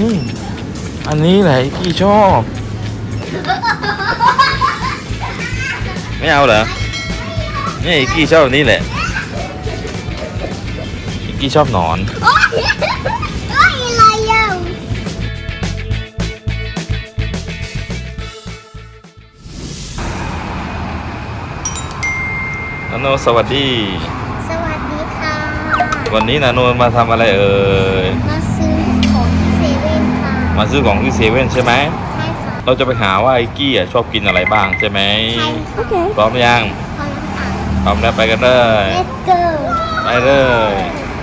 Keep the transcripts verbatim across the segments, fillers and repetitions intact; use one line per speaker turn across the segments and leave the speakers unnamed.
นี่อันนี้แหละอีกี้ชอบไม่เอาเหรอนี่อีกี้ชอบแบบนี้แหละอีกี้ชอบหนอน
โอ้ยโอ้ยอะไรอ่ะ
นาโนสวัสดี
สวัสดีค่ะ
วันนี้นาโนมาทำอะไรเอ่ย
มาซื้อของที่เซเว่นค่ะ
มาซื้อของที่เซเว่นใช่ไหม
ใช่ค่ะ
เราจะไปหาว่าไอ้กี้ชอบกินอะไรบ้างใช่ไหม
ใช่โอเค
พร้อมยัง
พร้อมแล้วค่ะ
พร้อมแล้วไปกันเลย
Let's go
ไปเลย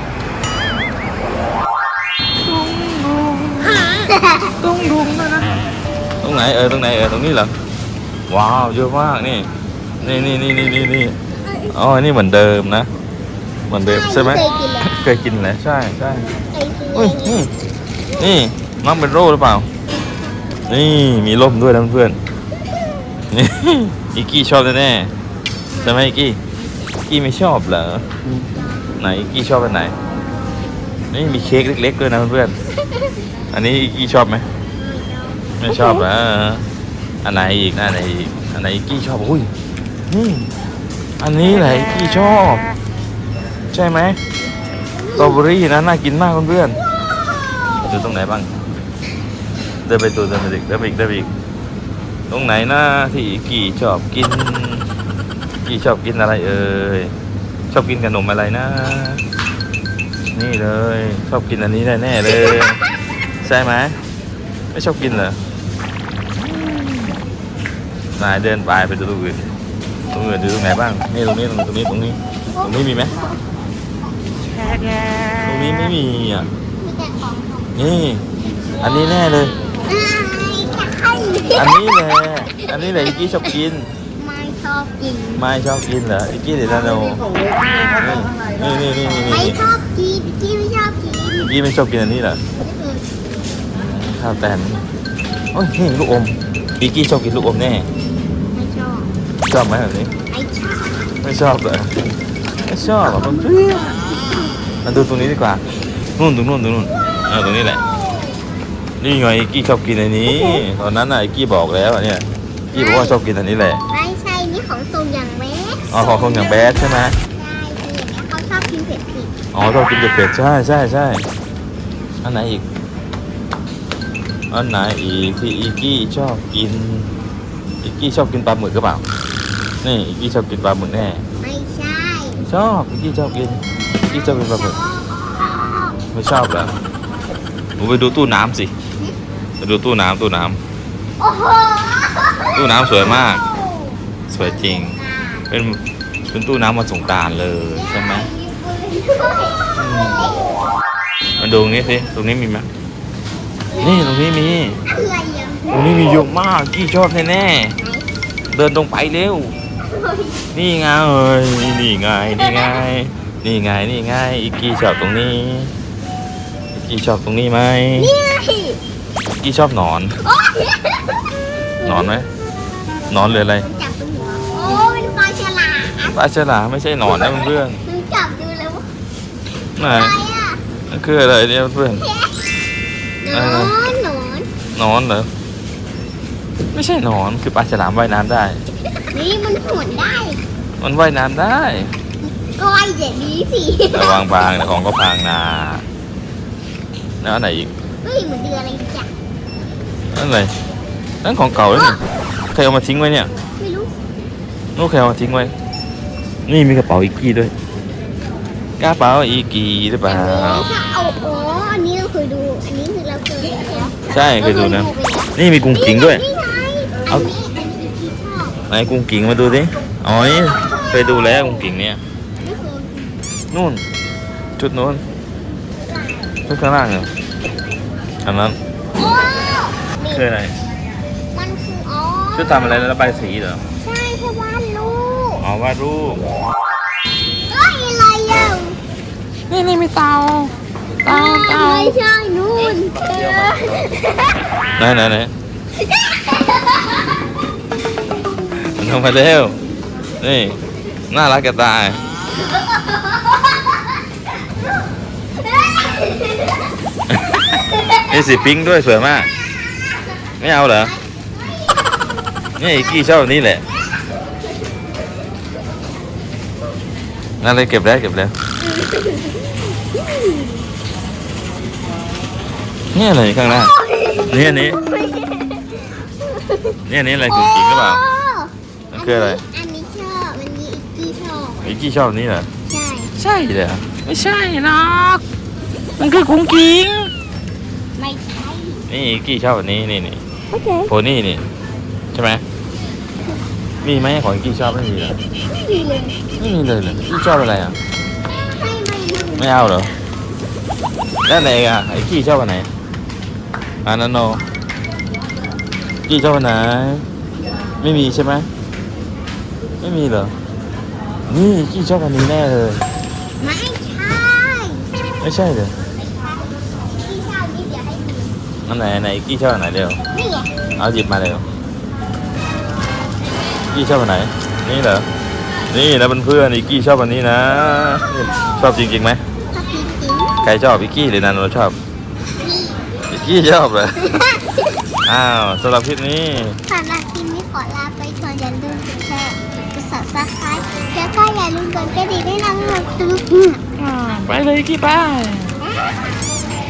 ตุ้งดุงนะนะ
ตรงไหนเออตรงไหนเออตรงนี้เหรอว้าวเยอะมากนี่นี่นี่นี่นี่นี่นี่อ๋อนี่เหมือนเดิมนะเหมือนเดิมใช่ไหมเคยกินแล้วใช่ใช่อุ้ยนี่นี่น้องเป็นโรคหรือเปล่านี่มีร่มด้วยนะเพื่อนนี่อีกี้ชอบแน่ๆใช่ไหมอีกี้อีกี้ไม่ชอบเหรอไหนอีกี้ชอบอันไหนนี่มีเค้กเล็กๆด้วยนะเพื่อนอันนี้อีกี้ชอบไหมไม่ชอบเหรออันไหนอีกอันไหนอีกอันไหนอีกี้ชอบอุ้ยนี่อันนี้แหละอีกี้ชอบใช่ไหมสตรอเบอรี่นะน่ากินมากเพื่อนๆดูตรงไหนบ้างเดินไปตัวเดินไปอีกเดินไปอีกเดินไปอีกตรงไหนนะที่อีกี้ชอบกินอีกี้ชอบกินอะไรเอ่ยชอบกินขนมอะไรนะนี่เลยชอบกินอันนี้แน่ๆเลยใช่ไหมไม่ชอบกินเหรอนายเดินไปไปดูตรงอื่นตรงอื่นดูตรงไหนบ้างนี่ตรงนี้ตรงนี้ตรงนี้ตรงนี้มีไหมตรงนี้ไม่มีอ่ะนี่อันนี้แน่เลยอันนี้แหละอันนี้แหละอีกี้ชอบกิน
ไม่ชอบกิน
ไม่ชอบกินเหรออีกี้เดี๋ยวนาโนนี่นี่นี่นี่
ไม่ชอบกินกี้ไม่ชอบกิน
อีกี้ไม่ชอบกินอันนี้เหรอข้าวแตนโอ้ยนี่ลูกอมอีกี้ชอบกินลูกอมแน่
ไม่ชอบ
ชอบไหมแบบนี้
ไม่ชอบ
ไม่ชอบเหรอไม่ชอบอ่ะเพื่อนมาดูตรงนี้ดีกว่านู่นตรงนู่นตรงนู่นเออตรงนี้แหละนี่ไงอีกี้ชอบกินอันนี้ตอนนั้นน่ะอีกี้บอกแล้วเนี่ยอีกี้บอกว่าชอบกินอันนี้แหละ
ไม่ใช่นี่ของทรงอย่างแบด
อ๋อของทรงอย่างแบดใช่ไหม
ใช่คืออย่างเงี้ยเขาชอบกินเผ็ดผิด
อ๋อชอบกินเผ็ดใช่ใช่ใช่อันไหนอีกอันไหนอีกที่อีกี้ชอบกินอีกี้ชอบกินปลาหมึกหรือเปล่านี่อีกี้ชอบกินปลาหมึกแน่
ไม่ใช่
ชอบอีกี้ชอบกินอีกี้ชอบกินปลาหมึกไม่ชอบเหรอหนูไปดูตู้น้ำสิไปดูตู้น้ำตู้น้ำ
โอ้โห
ตู้น้ำสวยมากสวยจริงเป็นเป็นตู้น้ำมาสงกรานต์เลยใช่ไหมมาดูตรงนี้สิตรงนี้มีไหมนี่ตรงนี้มี
อะไรอ่ะ
ตรงนี้มีเยอะมากกี้ชอบแน่ๆเดินตรงไปเร็วนี่ไงเอ้ยนี่ไงนี่ไงนี่ไงนี่ไงอีกกี้ชอบตรงนี้อีกกี้ชอบตรงนี้ไหมอีกกี้ชอบหนอนหนอนไหมหนอนหรืออะไร
จับดูโอ้เป็นปลาฉลาม
ปลาฉลามไม่ใช่หนอนนะเพื่อน
ๆจับดูแล้ว
ไหน
อะไรอ่ะ
นั่นคืออะไรเนี่ยเพื่อน
หนอนหนอน
หนอนเหรอไม่ใช่หนอนคือปลาฉลามว่ายน้ำได้
นี่มันหวนได้
มันว่ายน้ำได้
ก็ว่ายอย่างนี้สิ
ระวังบางแต่ของก็พังนาแล้วอันไหนอีก
เฮ้ยเหมือนเดืออะไรจัง
นั่นอะไรนั่นของเก่าแล้วนี่ใครเอามาทิ้งไว้เนี่ย
ไม่รู้
นู้นใครเอามาทิ้งไว้นี่มีกระเป๋าอีกกี้ด้วยกระเป๋าอีกกี้หรือเปล่า
เอาอ๋ออันนี้เราเคยดูอันนี้คือเราเคยดู
ใช่เคยดูนะนี่มีกุ้งกิ่งด้วย
นี่ไงอันนี้อันนี้ที่ชอบ
ไหนกุ้งกิ่งมาดูสิอ๋อนี่เคยดูแล้วกุ้งกิ่งเนี่ยนู่นจุดนู้นชุดข้างล่างเหรออันนั้นคืออะไร
มันคืออ๋อ
ชุดทำอะไรแล้วระบายสีเหรอ
ใช่แค่วาดรูป
อ๋อวาดรูป
เอ้ยอะไรอ่ะ
นี่นี่มีเตาเตาเตา
ไม่ใช่นู่น
ไหนไหนไหนมันทำไปเร็วนี่น่ารักกระตายนี่มีสีพิงค์ด้วยสวยมาก ไม่เอาเหรอนี่อีกกี้ชอบแบบนี้แหละนั่นเลยเก็บแล้วเก็บแล้วนี่อะไรข้างหน้านี่อันนี้นี่อันนี้อะไรกุ้งกิ้งหรือเปล่ามันคืออะไร
อันนี้ชอบอันนี้อีกกี้ชอบ
อีกกี้ชอบแบบนี้เหรอ
ใช่
ใช่เลยเหรอไม่ใช่หรอกมันคือกุ้งกิ้ง
ไม่ใช่
นี่อีกกี้ชอบแบบนี้นี่นี่
โอเค
โพนี่นี่ใช่ไหมมีไหมของอีกกี้ชอบไม่มีเหรอ
ไม่ดีเลย
ไม่มีเลยเหรออีกกี้ชอบอะไรอ่ะ
ไม่ไม่ไม่
ไม่เอาเหรอแล้วไหนอ่ะไอ้กี้ชอบอันไหนอันนั้นโนกี้ชอบอันไหนไม่มีใช่ไหมไม่มีเหรอนี่กี้ชอบอันนี้แน่เลย
ไม่ใช่
ไม่ใช่เลย
กี้ชอบนี่เดี๋ยวให้ดู
อันไหนอันไหนกี้ชอบอันไหนเร็ว
นี่ไง
เอาหยิบมาเร็วกี้ชอบอันไหนนี่เหรอนี่นะเพื่อนๆอีกกี้ชอบอันนี้นะนี่ชอบจริงๆไหม
ชอบกินกิน
ใครชอบอีกกี้หรือนันโนชอบ
นี่
อีกกี้ชอบเหรอ อ้าวสำหรับคลิปนี้
สำหรับคลิปนี้ขอลาไปก่อนอย่าลืมกดแชร์กดซับสไครต์แล้วก็อย่าลืมกดกระดิ่งให้น้องหนูตึ๊ก
ไปเลยกี้ไป
บ